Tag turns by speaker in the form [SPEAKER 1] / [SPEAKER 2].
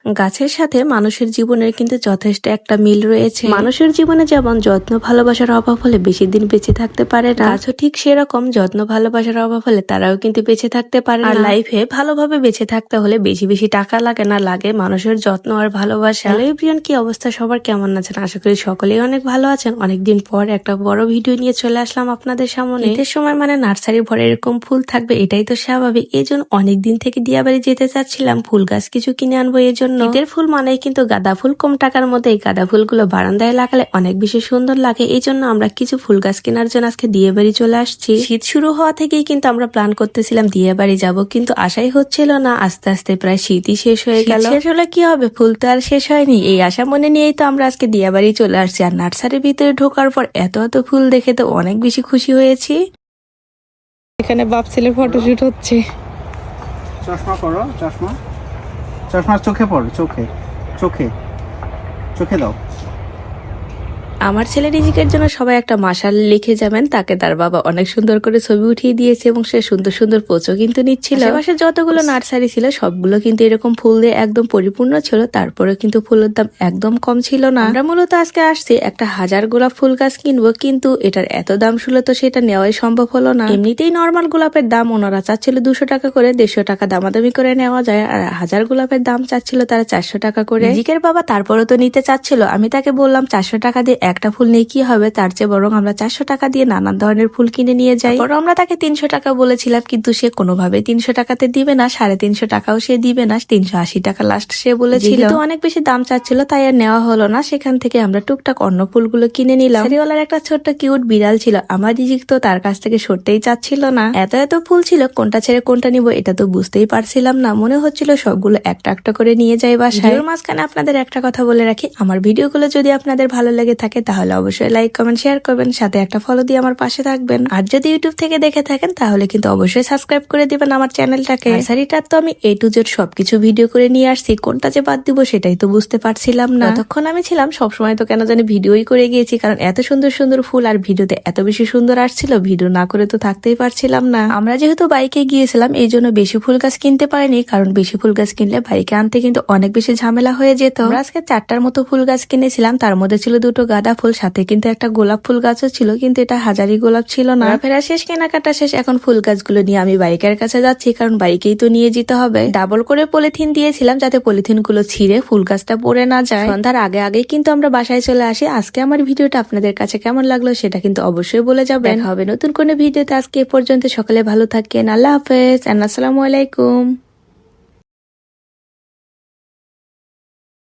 [SPEAKER 1] গাছের সাথে মানুষের জীবনের কিন্তু যথেষ্ট একটা মিল রয়েছে। মানুষের জীবনে যেমন যত্ন ভালোবাসার অভাব হলে বেশি দিন বেঁচে থাকতে পারে না, গাছও ঠিক সেরকম যত্ন ভালোবাসার অভাব হলে তারাও কিন্তু বেঁচে থাকতে পারে না। আর লাইফে ভালোভাবে বেঁচে থাকতে হলে বেশি বেশি টাকা লাগে না, লাগে মানুষের যত্ন আর ভালোবাসা। হ্যালো এভরিওয়ান, কি অবস্থা সবার, কেমন আছেন? আশা করি সকলেই অনেক ভালো আছেন। অনেকদিন পর একটা বড় ভিডিও নিয়ে চলে আসলাম আপনাদের সামনে। ঈদের সময় মানে নার্সারি ভরে এরকম ফুল থাকবে এটাই তো স্বাভাবিক। এই জন্য অনেকদিন থেকে দিয়াবাড়ি যেতে চাচ্ছিলাম, ফুল গাছ কিছু কিনে আনবো। এই জন্য ঈদের ফুল মানেই কিন্তু গাঁদা ফুল, কম টাকার মধ্যে এই গাঁদা ফুলগুলো বারান্দায় লাগালে অনেক বেশি সুন্দর লাগে। এই জন্য আমরা কিছু ফুল গাছ কেনার জন্য আজকে দিয়াবাড়ি চলে আসছি। শীত শুরু হওয়া থেকেই কিন্তু আমরা প্ল্যান করতেছিলাম দিয়াবাড়ি যাব, কিন্তু আশাই হচ্ছিল না। আস্তে আস্তে প্রায় শীতই শেষ হয়ে গেল। শেষ হলে কি হবে, ফুল তো আর শেষ হয়নি। এই আশা মনে নিয়েই তো আমরা আজকে দিয়াবাড়ি চলে আসছি। আর নার্সারির ভিতরে ঢোকার পর এত এত ফুল দেখে তো অনেক বেশি খুশি হয়েছি। এখানে বাপ ছেলে ফটোশুট হচ্ছে।
[SPEAKER 2] চশমা পরো, চশমা চশমা চোখে পড়ো, চোখে চোখে চোখে দাও।
[SPEAKER 1] আমার ছেলে রিজিকের জন্য সবাই একটা মাশাল লিখে যাবেন। তাকে তার বাবা অনেক সুন্দর করে ছবি উঠিয়ে দিয়েছে এবং সে সুন্দর সুন্দর পোজও কিন্তু নিচ্ছিল। আশেপাশে যতগুলো নার্সারি ছিল সবগুলো কিন্তু এরকম ফুল দিয়ে একদম পরিপূর্ণ ছিল, তারপরে কিন্তু ফুলের দাম একদম কম ছিল না। আমরা মূলত আজকে আসছি একটা 1000 গোলাপ ফুল গাছ কিনবো, কিন্তু এটার এত দাম ছিল তো সেটা নেওয়াই সম্ভব হলো না। এমনিতেই নর্মাল গোলাপের দাম ওনারা চাচ্ছিল 200 টাকা করে, 150 টাকা দামাদামি করে নেওয়া যায়। আর 1000 গোলাপের দাম চাচ্ছিল তারা 400 টাকা করে। রিজিকের বাবা তারপরে তো নিতে চাচ্ছিল। আমি তাকে বললাম 400 টাকা দিয়ে একটা ফুল নিয়ে কি হবে, তার চেয়ে বরং আমরা 400 টাকা দিয়ে নানান ধরনের ফুল কিনে নিয়ে যাই। বরং আমরা তাকে 300 টাকা বলেছিলাম, কিন্তু সে কোনোভাবে 300 টাকাতে দিবে না, 350 টাকাও সে দিবে না, 380 টাকা লাস্ট সে বলেছিল। তো অনেক বেশি দাম চাচ্ছিল তাই আর নেওয়া হলো না। সেখান থেকে আমরা টুকটাক অন্য ফুলগুলো কিনে নিলাম। শাড়িওয়ালার একটা ছোট্ট কিউট বিড়াল ছিল, আমার রিজিক তো তার কাছ থেকে সরতেই চাচ্ছিল না। এত এত ফুল ছিল, কোনটা ছেড়ে কোনটা নিব এটা তো বুঝতেই পারছিলাম না। মনে হচ্ছিল সবগুলো একটা একটা করে নিয়ে যাই বাসায়। এর মাঝখানে আপনাদের একটা কথা বলে রাখি, আমার ভিডিওগুলো যদি আপনাদের ভালো লেগে থাকে তাহলে অবশ্যই লাইক কমেন্ট শেয়ার করবেন, সাথে একটা ফলো দিয়ে আমার পাশে থাকবেন। আর যদি ইউটিউব থেকে দেখে থাকেন তাহলে কিন্তু অবশ্যই সাবস্ক্রাইব করে দিবেন আমার চ্যানেলটাকে। নার্সারিটার তো আমি A to Z সবকিছু ভিডিও করে নিয়ে আসছি, কোনটা যে বাদ দিব সেটাই তো বুঝতে পারছিলাম না। তখন আমি ছিলাম সবসময় তো কেন জানি ভিডিওই করে গিয়েছি, কারণ এত সুন্দর সুন্দর ফুল আর ভিডিওতে এত বেশি সুন্দর আসছিল, ভিডিও না করে তো থাকতেই পারছিলাম না। আমরা যেহেতু বাইকে গিয়েছিলাম এই জন্য বেশি ফুল গাছ কিনতে পারিনি, কারণ বেশি ফুল গাছ কিনলে বাইকে আনতে কিন্তু অনেক বেশি ঝামেলা হয়ে যেত। আমরা আজকে 4টার মতো ফুল গাছ কিনেছিলাম, তার মধ্যে ছিল 2টো গাঁদা ফুল, সাথে কিন্তু একটা গোলাপ ফুল গাছও ছিল, কিন্তু এটা হাজারি গোলাপ ছিল না। ফেরা শেষ, কেনাকাটা শেষ, এখন ফুল গাছগুলো নিয়ে আমি বাইকের কাছে যাচ্ছি, কারণ বাইকেই তো নিয়ে যেতে হবে। ডাবল করে পলিথিন দিয়েছিলাম যাতে পলিথিন গুলো ছিঁড়ে ফুল গাছটা পড়ে না যায়। সন্ধ্যার আগে আগে কিন্তু আমরা বাসায় চলে আসি। আজকে আমার ভিডিওটা আপনাদের কাছে কেমন লাগলো সেটা কিন্তু অবশ্যই বলে যাবেন। দেখা হবে নতুন কোনো ভিডিওতে। আজকে এ পর্যন্ত, সকলে ভালো থাকেন। আল্লাহ হাফেজ, আসসালামু আলাইকুম।